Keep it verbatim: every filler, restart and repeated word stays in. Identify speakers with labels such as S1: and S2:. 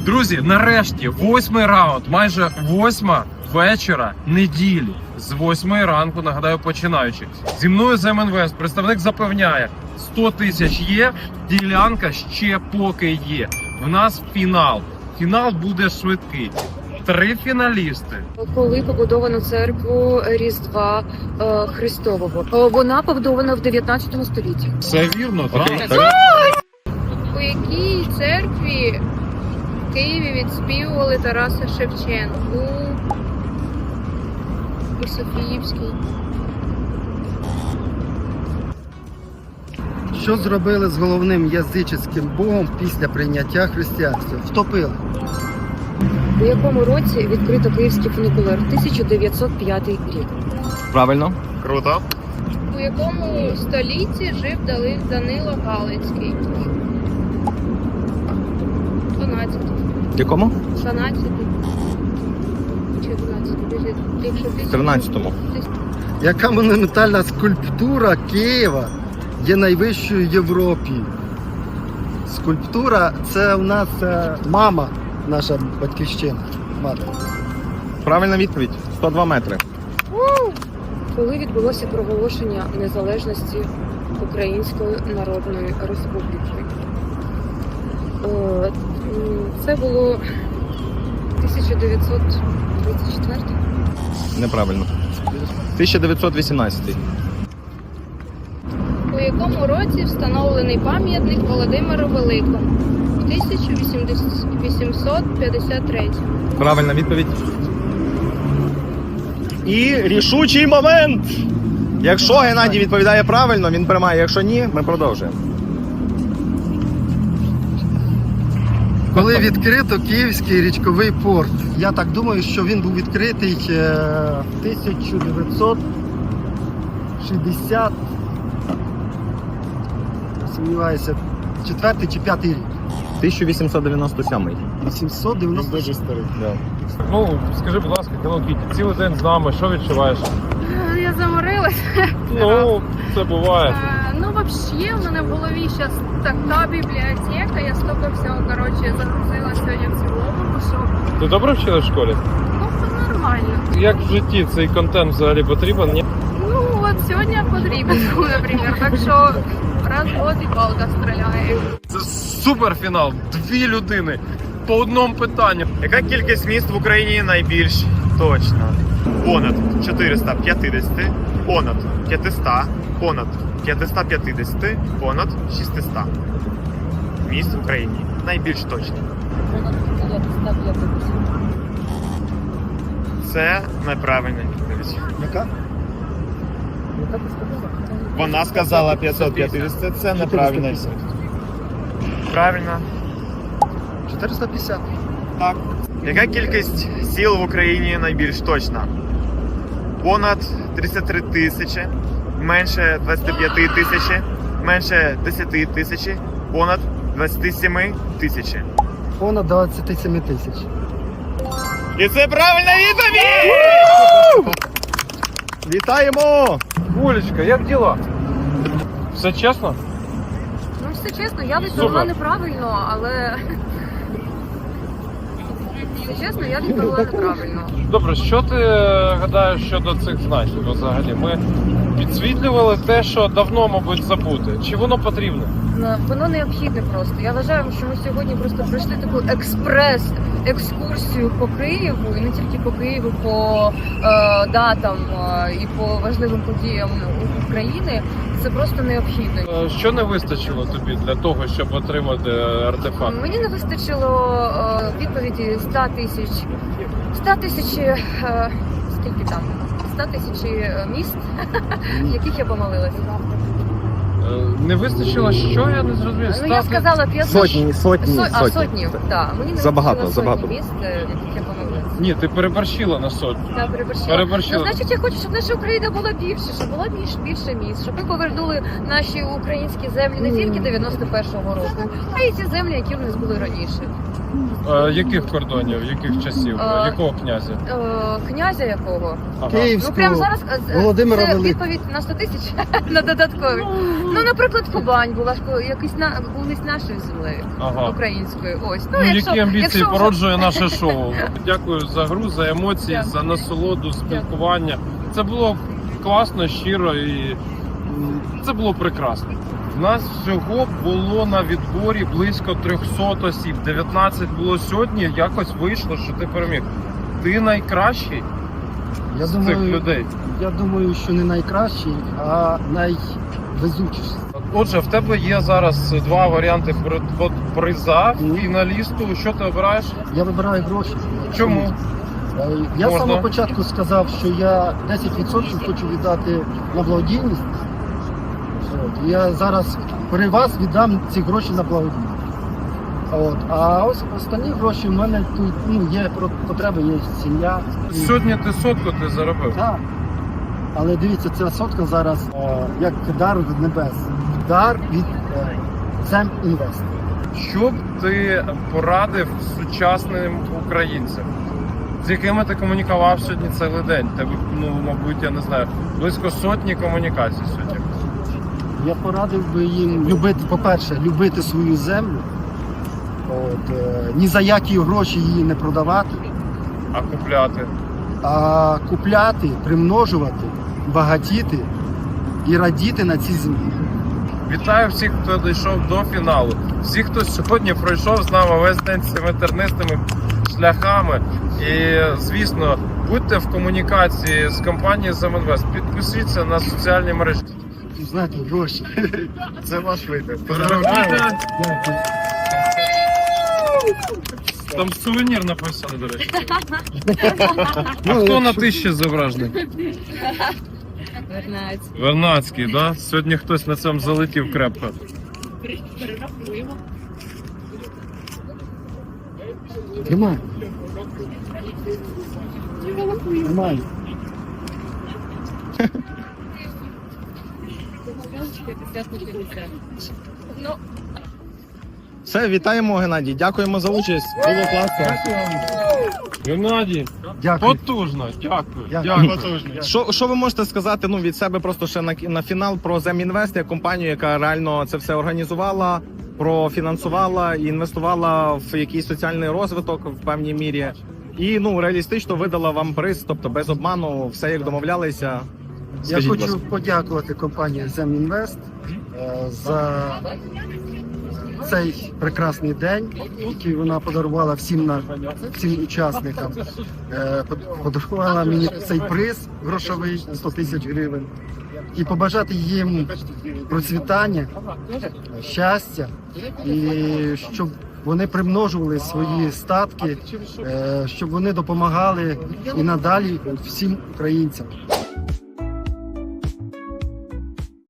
S1: Друзі, нарешті, восьмий раунд, майже восьма вечора неділі. З восьмої ранку, нагадаю, починаючи. Зі мною з МНВС представник запевняє, сто тисяч є, ділянка ще поки є. В нас фінал. Фінал буде швидкий. Три фіналісти.
S2: Коли побудовано церкву Різдва е, Христового? Е, Вона побудована в дев'ятнадцятому столітті.
S1: Все вірно, так?
S3: У якій церкві в Києві відспівували Тараса Шевченку? У Софіївській.
S4: Що зробили з головним язичницьким богом після прийняття християнства? Втопили.
S2: У якому році відкрито київський фунікулер? тисяча дев'ятсот п'ятий рік.
S5: Правильно.
S1: Круто.
S3: У якому столітті жив Дали- Данило Галицький? дванадцятий.
S5: В якому?
S3: дванадцятий. Чи дванадцятий? Якщо
S5: В тринадцятому.
S4: Яка монументальна скульптура Києва є найвищою в Європі? Скульптура – це у нас е, мама, наша батьківщина. Мати.
S5: Правильна відповідь. сто два метри.
S2: Коли відбулося проголошення незалежності Української Народної Республіки? Е, м, Це було тисяча дев'ятсот тридцять четвертий.
S5: Неправильно. тисяча дев'ятсот вісімнадцятий.
S3: У якому році встановлений пам'ятник Володимиру Великому? В тисяча вісімсот п'ятдесят третьому.
S5: Правильна відповідь. І рішучий момент. Якщо Геннадій відповідає правильно, він приймає. Якщо ні, ми продовжуємо.
S4: Коли відкрито Київський річковий порт? Я так думаю, що він був відкритий е, в тисяча дев'ятсот шістдесят, сумніваюся, четвертий чи п'ятий рік.
S5: тисяча вісімсот дев'яносто сьомий.
S4: вісімсот дев'яносто шість.
S1: Ну, скажи, будь ласка, Hello Kitty, цілий день з нами, що відчуваєш?
S3: Я заморилась.
S1: Ну, це буває.
S3: Е, Ну, взагалі, в мене в голові зараз така бібліотека, я стільки всього, коротше, загрузила сьогодні в цілому, що,
S1: Ти добре вчила в школі?
S3: ну, це нормально.
S1: Як в житті цей контент взагалі потрібен? Ні?
S3: Ну, от сьогодні потрібен, наприклад, так що раз в год і палка стріляє.
S1: Це суперфінал. Дві людини по одному питанню.
S6: Яка кількість міст в Україні найбільш точна? Понад чотириста п'ятдесят, понад п'ятсот, понад п'ятсот п'ятдесят, понад шістсот. Міст в Україні найбільш точно. Це неправильна відповідь.
S4: Яка?
S6: Вона сказала п'ятсот п'ятдесят, це неправильна відповідь. Правильно.
S4: чотириста п'ятдесят.
S6: Так. Яка кількість сіл в Україні найбільш точна? Понад тридцять три тисячі, менше двадцять п'ять тисяч, менше десять тисяч, понад двадцять сім тисяч.
S4: Понад двадцять сім тисяч.
S6: І це правильна відповідь!
S5: Вітаємо!
S1: Олечка, як діла? Все чесно?
S2: Ну, все чесно, я відповіла
S1: Супер.
S2: неправильно, але... Все чесно, я відповіла неправильно.
S1: Добре, що ти гадаєш щодо цих знаків взагалі? Ми підсвітлювали те, що давно, мабуть, забути. Чи воно потрібне?
S2: Ну, Воно необхідне просто. Я вважаю, що ми сьогодні просто пройшли таку експрес-екскурсію по Києву, і не тільки по Києву, по е, датам е, і по важливим подіям України. Це просто необхідно.
S1: Е, Що не вистачило тобі для того, щоб отримати артефакт?
S2: Мені не вистачило е, відповіді sto тисяч, sto тисяч, е, скільки там? sto тисяч міст, в яких я помилилася.
S1: Е, Не вистачило що? Я не зрозумів.
S2: Ну, я
S1: Стати-
S2: сказала п'ятсот.
S5: Сотні, сотні,
S2: Со- а,
S5: сотні.
S2: сотні, так. Мені не
S5: Забагато,
S2: вистачило
S5: забагато.
S2: сотні міст, е, в яких я помилилася.
S1: Ні, ти переборщила на сотню.
S2: Так, переборщила.
S1: Переборщила.
S2: Ну, значить, я хочу, щоб наша Україна була більше, щоб була більш, більше міст, щоб ми повернули наші українські землі не тільки дев'яносто першого року, а й ті землі, які в нас були раніше.
S1: Е, яких кордонів, яких часів,
S2: Е,
S1: якого князя?
S2: Е, Князя якого?
S1: Ага.
S2: Ну
S4: Київського
S2: прямо зараз е,
S4: Володимира
S2: це
S4: Великого.
S2: відповідь на сто тисяч на додаткові. Ну, наприклад, Кубань була ж ко- якийсь на колись нашою землею
S1: Ага.
S2: українською. Ось ну,
S1: Ну,
S2: якщо,
S1: які амбіції
S2: якщо вже-
S1: породжує наше шоу. Дякую за гру, за емоції,
S2: Дякую.
S1: за насолоду, спілкування. Це було класно, щиро і м, це було прекрасно. У нас всього було на відборі близько триста осіб. дев'ятнадцять було сьогодні. Якось вийшло, що ти переміг. Ти найкращий
S4: Я
S1: з цих
S4: думаю,
S1: людей.
S4: я думаю, що не найкращий, а найвезучіший.
S1: Отже, в тебе є зараз два варіанти при- от приза фіналісту. Що ти обираєш?
S4: Я вибираю гроші.
S1: Чому?
S4: Е, Я з
S1: Можна?
S4: самого початку сказав, що я десять відсотків хочу віддати на благодійність. От. Я зараз при вас віддам ці гроші на благодійність. От. А ось останні гроші в мене тут ну, є про- потреби, є сім'я. І-
S1: Сьогодні ти сотку ти заробив.
S4: Так. Але дивіться, ця сотка зараз е, як дар від небес. Дар від е, Земінвест.
S1: Що б ти порадив сучасним українцям, з якими ти комунікував сьогодні цілий день? Тебе, ну, мабуть, я не знаю, близько сотні комунікацій сьогодні.
S4: Я порадив би їм любити, по-перше, любити свою землю. От, е, ні за які гроші її не продавати,
S1: А купляти?
S4: а купляти, примножувати, багатіти і радіти на цій землі.
S1: Вітаю всіх, хто дійшов до фіналу. Всіх, хто сьогодні пройшов з нами весь день цими тернистими шляхами. І, звісно, будьте в комунікації з компанією Земінвест. Підпишіться на соціальні мережі.
S4: Знаєте, гроші.
S6: Це ваш вибір.
S1: Поздравляйте.
S4: Дякую.
S1: Там сувенір написано, до речі. А
S4: Ну,
S1: хто на
S4: якщо-
S1: тисячі зображений?
S2: Вернець.
S1: Вернадський, да? Сьогодні хтось на цьому залетів крепко.
S4: Тримай. Тримай.
S2: Ну,
S5: Все, вітаємо, Геннадій. Дякуємо за участь. Було класно.
S1: Геннадій,
S4: Дякую.
S1: потужно, дякую.
S4: Дякую.
S1: Дякую.
S5: Що, що ви можете сказати ну, від себе просто ще на, на фінал про Земінвест, як компанію, яка реально це все організувала, профінансувала і інвестувала в якийсь соціальний розвиток в певній мірі. І ну реалістично видала вам приз, тобто без обману, все як домовлялися.
S4: Я
S5: Скажіть, будь
S4: хочу
S5: ласка.
S4: подякувати компанії Земінвест е, за цей прекрасний день, який вона подарувала всім на всім учасникам. Е, под- Подарувала мені цей приз грошовий сто тисяч гривень. І побажати їм процвітання, щастя, і щоб вони примножували свої статки, е, щоб вони допомагали і надалі всім українцям.